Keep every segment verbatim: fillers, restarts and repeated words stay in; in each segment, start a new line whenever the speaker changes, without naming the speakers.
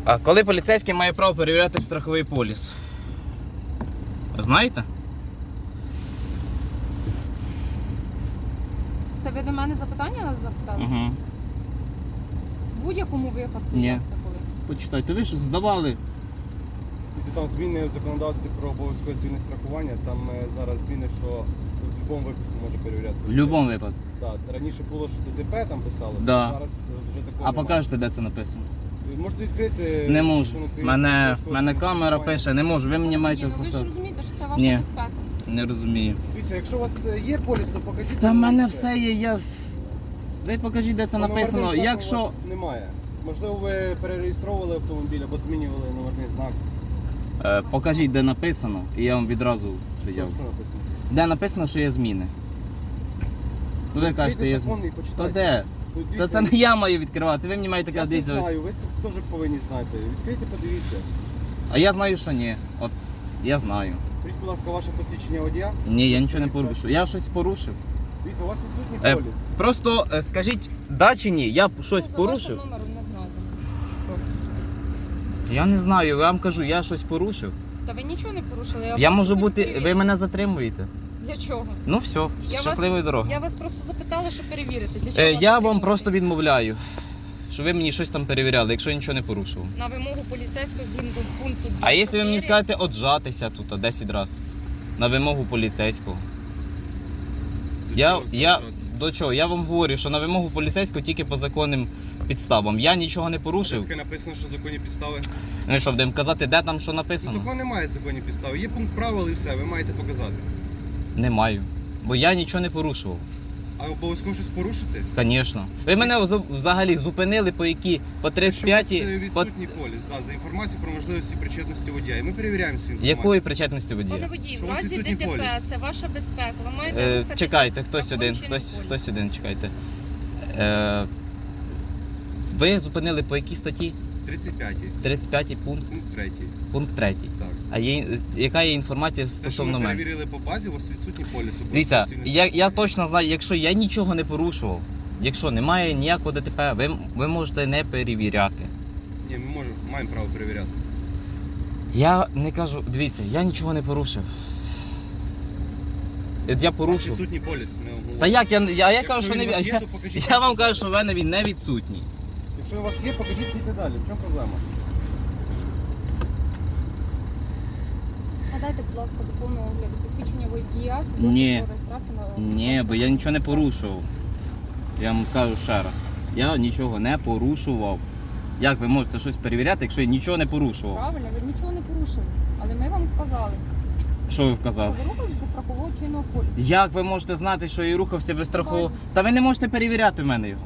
А коли поліцейський має право перевіряти страховий поліс? Знаєте?
Це ви до мене запитання запитали?
Угу.
В будь-якому випадку
Ні.
як це коли?
Почитайте, ви ж здавали.
Там зміни в законодавстві про обов'язкове цивільне страхування, там е, зараз зміни, що в будь-якому випадку може перевіряти.
В будь-якому випадку.
Так, раніше було, що ДТП там писалося,
Да.
зараз е, вже такого
А
немає.
покажете, де це написано?
Ви можете відкрити...
Не можу.
закон України
Мене,
про обов'язкове
мене
цивільне
камера
страхування.
пише, не можу. Ви мені
Ну,
маєте
ну, ви ж
просто.
розумієте, що це ваша
Ні.
безпека.
Не розумію.
Дивіться, якщо у вас е, є поліс, то покажіть.
Та в
мені
мене все є, я. Ви покажіть, де це
Номерний
написано.
знак у
Якщо.
вас немає. Можливо, ви перереєстровували автомобіль або змінювали номерний знак.
Е, покажіть, де написано, і я вам відразу
Що,
віддав.
що написано?
Де написано, що є зміни. Ну ви кажете, є
закон
зміни.
і
То
почитайте.
де?
Ну,
То
дивіться,
це не я маю відкривати, ви мені маєте
Я це
казати.
знаю, ви це теж повинні знати. Відкрийте, подивіться.
А я знаю, що ні. От я знаю.
Скажіть, будь ласка, ваше посвідчення водія.
Ні, я нічого не порушив. Я щось порушив.
Дивіться, у вас відсутній
Е,
поліс.
Просто е, скажіть, да чи ні, я б щось
Ну, за
порушив?
вашим номером не знаю. Просто.
Я не знаю, я вам кажу, я щось порушив.
Та ви нічого не порушили.
Я
просто
можу
хочу
бути. Ви
перевірити.
мене затримуєте.
Для чого?
Ну все,
Я
щасливої
вас,
дороги.
Я вас просто запитала, щоб перевірити. Для чого
Е,
вас
я вам
затримувати?
просто відмовляю, що ви мені щось там перевіряли, якщо я нічого не порушував.
На вимогу поліцейського згідно пункту
А якщо ви мені
чотири.
скажете отжатися тут десять разів на вимогу поліцейського.
До
Я,
чого це
я
вважається?
до чого? Я вам говорю, що на вимогу поліцейського тільки по законним підставам. Я нічого не порушив.
Таке написано, що законні підстави.
Ну і що, будемо казати, де там що
Ну,
написано?
такого немає законні підстави. Є пункт правил і все, ви маєте показати.
Не маю. Бо я нічого не порушував.
А обов'язково щось порушити?
Звісно. Ви мене вз- взагалі зупинили по які? По тридцять
Якщо у
п'ятій?
вас е,
По...
відсутній поліс, да, за інформацію про можливості причетності водія. І ми перевіряємо цю інформацію.
Якої причетності
Пане
водія?
водій,
Що
в
у вас
разі
відсутній
ДТП
поліс?
це ваша безпека. Ви маєте
Е,
рухатися
чекайте,
з
хтось один,
законченим
хтось,
полісом.
хтось один, чекайте. Е, ви зупинили по якій статті?
тридцять п'ятій,
тридцять п'ятий пункт,
пункт третій.
пункт третій.
Так.
А є, яка є інформація
Те, що
стосовно
ми
мене?
перевірили по базі, у вас відсутній поліс.
Дивіться,
обов'язково
я,
цивільне
я
страхування.
точно знаю, якщо я нічого не порушував, якщо немає ніякого ДТП, ви, ви можете не перевіряти.
Ні, ми можемо, маємо право перевіряти.
Я не кажу, дивіться, я нічого не порушив. От я
У вас
порушив.
відсутній поліс. Ми вам говоримо.
Та як я, я, я
Якщо
кажу, що
він
не
у вас
я,
є, то покажіть.
я вам кажу, що в мене він не відсутній.
Якщо у вас є, покажіть йти далі. В чому проблема?
Надайте, будь ласка, до повного огляду посвідчення водія, свідоцтво
Ні.
про реєстрацію на
Ні, бо я нічого не порушував. Я вам кажу ще раз. Я нічого не порушував. Як ви можете щось перевіряти, якщо я нічого не порушував?
Правильно, ви нічого не порушили. Але ми вам вказали,
Що ви
що
вказали?
ви рухались без страхового чинного полісу.
Як ви можете знати, що я рухався без страхового? Та ви не можете перевіряти в мене його.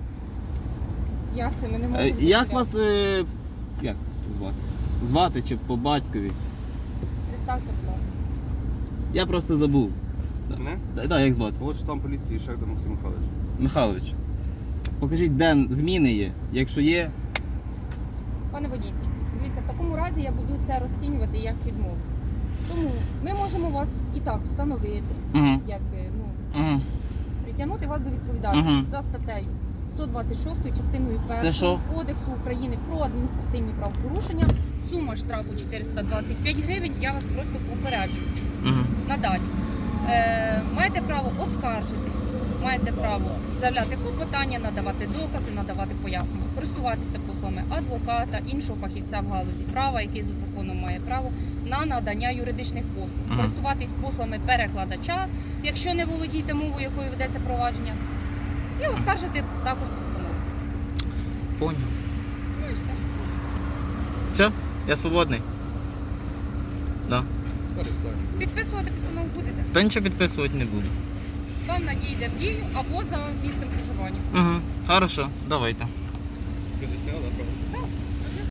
Як це? Ми не
Е,
можемо.
Як
перевіряти.
вас е, як звати? Звати чи по батькові?
Представся, будь ласка.
Я просто забув.
Мене?
Так, да, як звати?
Молодший там поліції, Шахдар Максим Михайлович.
Михайлович. Покажіть, де зміни є. Якщо є,
Пане водій, дивіться, в такому разі я буду це розцінювати як відмову. Тому ми можемо вас і так встановити,
угу.
якби, ну,
Угу.
притягнути вас до відповідальності
Мгм.
за статтею сто двадцять шостою частиною першою
що?
Кодексу України про адміністративні правопорушення. Сума штрафу чотириста двадцять п'ять гривень. Я вас просто попереджую.
Угу.
Надалі. Е, маєте право оскаржити, маєте право заявляти клопотання, надавати докази, надавати пояснення, користуватися послугами адвоката, іншого фахівця в галузі права, який за законом має право на надання юридичних послуг,
Ага.
користуватись послугами перекладача, якщо не володієте мовою, якою ведеться провадження, і оскаржити також постанову.
Поняв.
Ну і все.
Все? Я свободний. Да.
Перестань.
Підписувати постанову будете.
Та нічого підписувати не буду.
Вам надійде в дію або за місцем проживання.
Угу. Хорошо, давайте.
Роз'яснили, да, правильно?
Так.